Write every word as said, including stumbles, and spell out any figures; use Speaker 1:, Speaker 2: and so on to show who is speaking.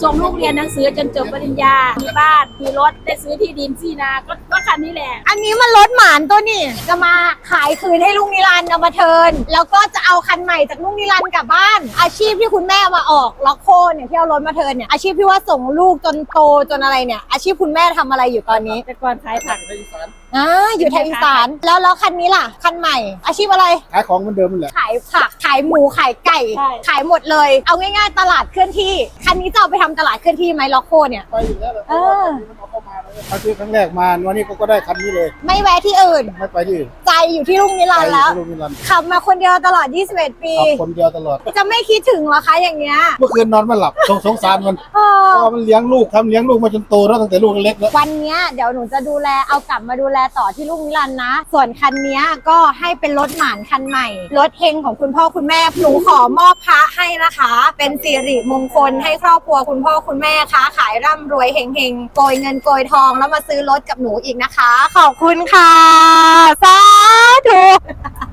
Speaker 1: ส่งลูกเรียนหนังสือจนจบปริญญา มีบ้าน มีรถ ได้ซื้อที่ดินที่นา ก็ก็คันนี้แหละ
Speaker 2: อันนี้มันรถหมานตัวนี่จะมาขายคืนให้ลุงนิรันดร์เอามาเทิร์นแล้วก็จะเอาคันใหม่จากลุงนิรันดร์กลับบ้าน อาชีพที่คุณแม่มาออกล็อกโคเนี่ยที่เอารถมาเทิร์นเนี่ยอาชีพที่ว่าส่งลูกจนโตจนอะไรเนี่ยอาชีพคุณแม่ทำอะไรอยู่ตอนนี้
Speaker 1: แต่ก่อนขายผัก
Speaker 2: อ่าอยู่ไทยอีสานแล้วแล้วคันนี้ล่ะคันใหม่ อาชีพอะไร
Speaker 3: ขายของเหมือนเดิมนั่นแหละ
Speaker 2: ขายผักขายหมูขายไก่
Speaker 1: ใช่
Speaker 2: ขายหมดเลย เอาง่ายๆตลาดเคลื่อนที่คันนี้จะเอาไปทำตลาดเคลื่อนที่ไหมล็อกโคเนี่ย
Speaker 3: ไปอยู่แล้วแหละ
Speaker 2: เออ
Speaker 3: มันเอาเข้ามาเลยเอาซื้อครั้งแรกมาวันนี้ก็ได้คันนี้เลย
Speaker 2: ไม่แวะที่อื่น
Speaker 3: ไม่ไปที่อื่น
Speaker 2: ใจอยู่ที่ลุงนิรันดร์แล้ว
Speaker 3: ไปอยู่ที่โรงพยาบาล
Speaker 2: ขับมาคนเดียวตลอดยี่สิบเอ็ดปี
Speaker 3: ขับคนเดียวตลอด
Speaker 2: จะไม่คิดถึงเหรอคะอย่างเงี้ย
Speaker 3: เมื่อคืนนอนไม่หลับสงสงสารมัน
Speaker 2: เออ
Speaker 3: เพราะมันเลี้ยงลูกทำเลี้ยงลูกมาจนโตแล้วตั้งแต่ลูกเล็กแล้ว
Speaker 2: วันเนี้ยเดี๋ยวหนูจะดูแลเอากลับมาดูแลต่อที่ลุงนิรันดร์นะ ส่วนคันเนี้ยก็ให้เป็นรถหมานคันใหม่ รถเฮงของคุณพ่อคุณแม่ หนูขอมอบพระให้นะคะ เป็นสิริมงคลให้ครอบครัวคุณพ่อคุณแม่ค้าขายร่ำรวยเฮงเฮงๆโกยเงินโกยทองแล้วมาซื้อรถกับหนูอีกนะคะ ขอบคุณค่ะ สาธุ